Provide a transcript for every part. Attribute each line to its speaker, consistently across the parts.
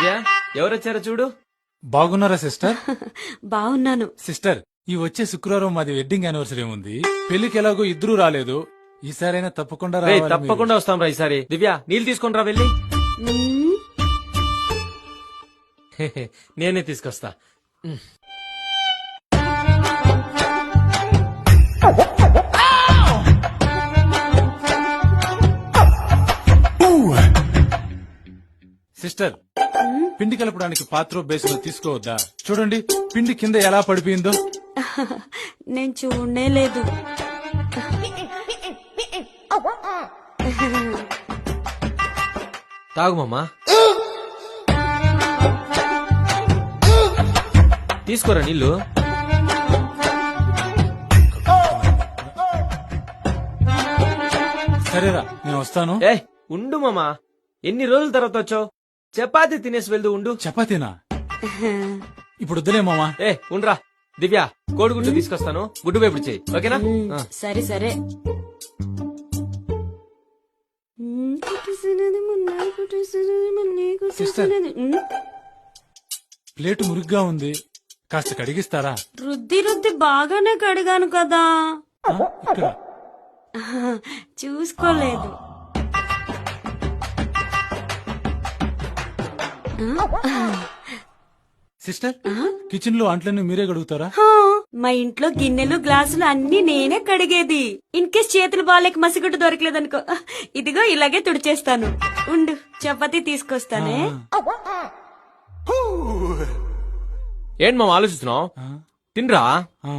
Speaker 1: దివ్య ఎవరొచ్చారో చూడు.
Speaker 2: బాగున్నారా సిస్టర్?
Speaker 3: బాగున్నాను.
Speaker 2: సిస్టర్, ఈ వచ్చే శుక్రవారం మాది వెడ్డింగ్ యానివర్సరీ ఉంది. పెళ్లికి ఎలాగో ఇద్దరు రాలేదు, ఈసారైనా తప్పకుండా
Speaker 1: రేయ్,
Speaker 2: రావాలి
Speaker 1: తప్పకుండా వస్తాం రా ఈసారి. దివ్య నీళ్ళు తీసుకొని రా వెళ్ళి.
Speaker 3: మ్మ్.
Speaker 1: నేనే తీసుకొస్తా.
Speaker 2: సిస్టర్, పిండి కలపడానికి పాత్ర బేసిన్ తీసుకోవద్దా? చూడండి పిండి కింద ఎలా పడిపోయిందో.
Speaker 3: నేను చూడనే లేదు.
Speaker 1: తాగు మామా. తీసుకోరా నీళ్ళు.
Speaker 2: సరేరా, నేను వస్తాను.
Speaker 1: ఏ ఉండు మామా, ఎన్ని రోజుల తర్వాత వచ్చావు? చపాతి తినేసి వెళ్దు. ఉండు.
Speaker 2: చపాతీనా? ఇప్పుడు వద్దులే మామా.
Speaker 1: ఏ ఉండ్రా. దివ్య కోడిగుడ్డు తీసుకొస్తాను, గుడ్డు వేపుడు చేయి. ఓకేనా? ఆ.
Speaker 3: సరే సరే.
Speaker 2: సిస్టర్, ప్లేటు మురిగ్గా ఉంది, కాస్త కడిగిస్తారా?
Speaker 3: రుద్ది రుద్ది బాగానే కడిగాను కదా.
Speaker 2: ఇక్కడ
Speaker 3: చూసుకోలేదు.
Speaker 2: సిస్టర్, కిచెన్ లో అంట్లన్నీ మీరే కడుగుతారా?
Speaker 3: హా, మా ఇంట్లో గిన్నెలు గ్లాసులు అన్ని నేనే కడిగేది. ఇన్ కేస్ చేతులు బాలేక మసిగుడ్డు దొరకలేదనుకో, ఇదిగో ఇలాగే తుడిచేస్తాను. ఉండు, చపాతీ తీసుకొస్తానే.
Speaker 1: ఏంటి మామ ఆలోచిస్తున్నావు?
Speaker 2: ఆ,
Speaker 1: తినరా.
Speaker 2: ఆ.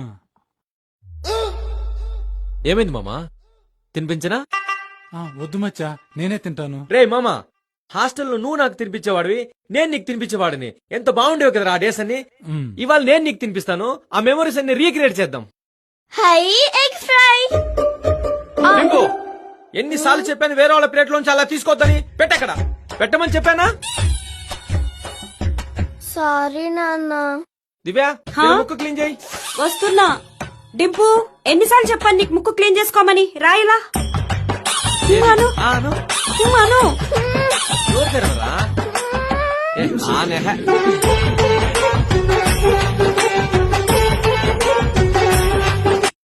Speaker 1: ఏమైంది మామా? తినిపించనా?
Speaker 2: వద్దు మచ్చా, నేనే తింటాను.
Speaker 1: రే మామా, హాస్టల్లో నువ్వు నాకు తినిపించేవాడివి, నేను నీకు తినిపించేవాడిని. ఎంత బాగుండేవి కదా ఆ డేస్ అన్ని.
Speaker 2: మ్.
Speaker 1: ఇవాళ నేను నీకు తినిపిస్తాను. ఆ మెమరీస్ అన్ని రీక్రియేట్ చేద్దాం.
Speaker 3: High egg fry.
Speaker 1: రింగు, ఎన్నిసార్లు చెప్పాను వేరే వాళ్ళ ప్లేట్ లోంచి అలా తీసుకోవద్దని? పెట్టక్కడ పెట్టమని చెప్పానా?
Speaker 4: సారీ నాన్న.
Speaker 1: దివ్య
Speaker 3: హా?
Speaker 1: ఇలా ముక్కు క్లీన్ చేయి.
Speaker 3: వస్తున్నా. డింపు, ఎన్నిసార్లు చెప్పాను నీకు ముక్కు క్లీన్ చేసుకోమని? రాయిలా. మాను
Speaker 1: ఆను.
Speaker 3: మాను.
Speaker 1: నోరు తెరవరా? ఏ, ఆ నెహ.